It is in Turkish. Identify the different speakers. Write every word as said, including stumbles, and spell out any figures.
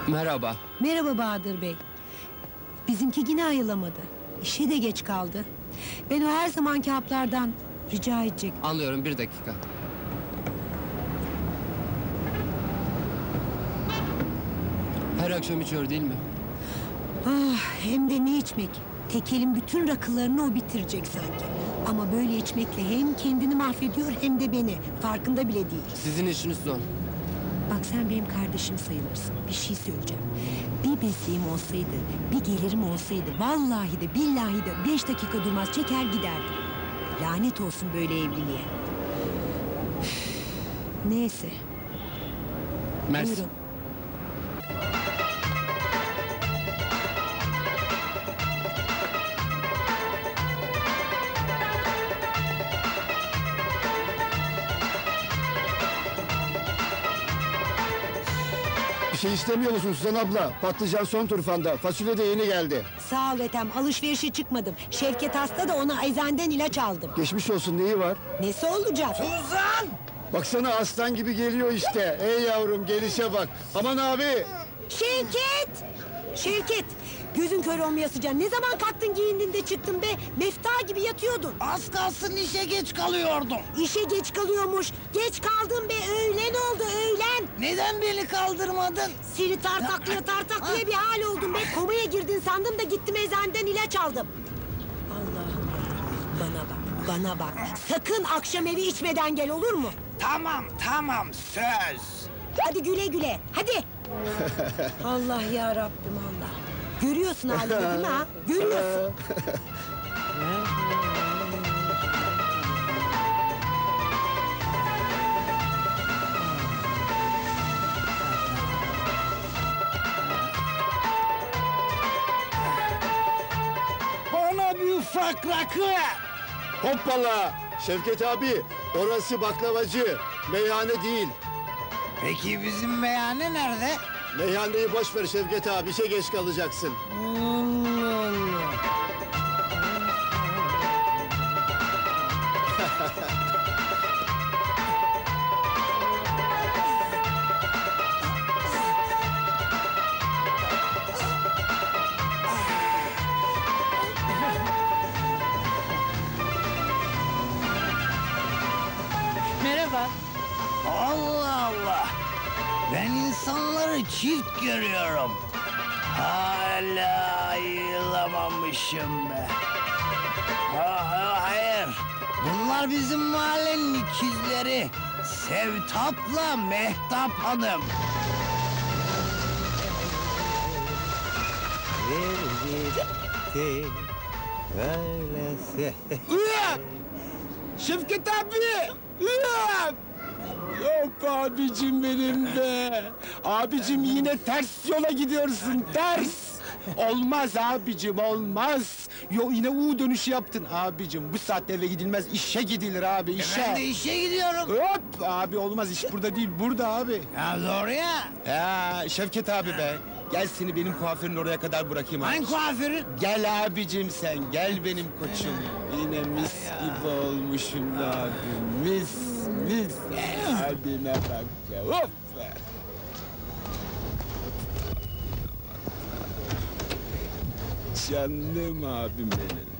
Speaker 1: Merhaba.
Speaker 2: Merhaba Bahadır Bey. Bizimki yine ayılamadı. İşe de geç kaldı. Ben o her zamanki haplardan rica edecek.
Speaker 1: Anlıyorum, bir dakika. Her akşam içiyor değil mi?
Speaker 2: Ah, hem de ne içmek. Tekelin bütün rakılarını o bitirecek sanki. Ama böyle içmekle hem kendini mahvediyor hem de beni. Farkında bile değil.
Speaker 1: Sizin işiniz zor.
Speaker 2: Bak sen benim kardeşim sayılırsın. Bir şey söyleyeceğim. Bir mesleğim olsaydı, bir gelirim olsaydı... ...vallahi de billahi de beş dakika durmaz çeker giderdim. Lanet olsun böyle evliliğe. Üf, neyse.
Speaker 1: Mersi.
Speaker 2: Buyurun.
Speaker 3: Bir şey istemiyor musun Suzan abla? Patlıcan son turfanda. Fasulye de yeni geldi.
Speaker 2: Sağ ol Ethem, alışverişe çıkmadım. Şevket hasta da ona eczaneden ilaç aldım.
Speaker 3: Geçmiş olsun, neyi var?
Speaker 2: Nesi olacak?
Speaker 3: Suzan! Baksana aslan gibi geliyor işte. Ey yavrum, gelişe bak. Aman abi!
Speaker 2: Şevket! Şevket! Gözün kör olmaya sıcak. Ne zaman kalktın giyindin de çıktın be? Mefta gibi yatıyordun.
Speaker 4: Az kalsın işe geç kalıyordum.
Speaker 2: İşe geç kalıyormuş. Geç kaldın be, öğlen oldu öğlen.
Speaker 4: Neden beni kaldırmadın?
Speaker 2: Seni tartaklıya tartaklıya bir hal oldun be. Komaya girdin sandım da gittim eczaneden ilaç aldım. Allah'ım yarabbim, bana bak, bana bak. Sakın akşam evi içmeden gel, olur mu?
Speaker 4: Tamam tamam söz.
Speaker 2: Hadi güle güle, hadi. Allah ya Rabbim Allah. Görüyorsun halini değil mi ha? Görüyorsun.
Speaker 4: Bana bir ufak rakı.
Speaker 3: Hoppala! Şevket abi, orası baklavacı. Meyhane değil.
Speaker 4: Peki bizim meyhane nerede?
Speaker 3: Meyhaneyi boş ver Şevket abi, işe geç kalacaksın.
Speaker 4: Allah Allah.
Speaker 5: Merhaba.
Speaker 4: Allah Allah. Ben insanları çift görüyorum. Hala ayılamamışım be. Ha, ha, hayır. Bunlar bizim mahallenin ikizleri. Sevtap'la Mehtap Hanım.
Speaker 6: Şevket abi! Ulan! Yok abicim benim be! Abicim yine ters yola gidiyorsun, ters! Olmaz abicim, olmaz! Yo yine U dönüşü yaptın abicim. Bu saatte eve gidilmez, işe gidilir abi, işe!
Speaker 4: Ben de işe gidiyorum.
Speaker 6: Hop! Abi olmaz, iş burada değil, burada abi.
Speaker 4: Ya doğru ya.
Speaker 6: Ya Şevket abi be! Gel seni benim kuaförün oraya kadar bırakayım abi.
Speaker 4: Hangi kuaförün?
Speaker 6: Gel abicim sen, gel benim koçum. Yine mis gibi olmuşum abi, mis, mis. Abine bak be, of be. Canım abim benim.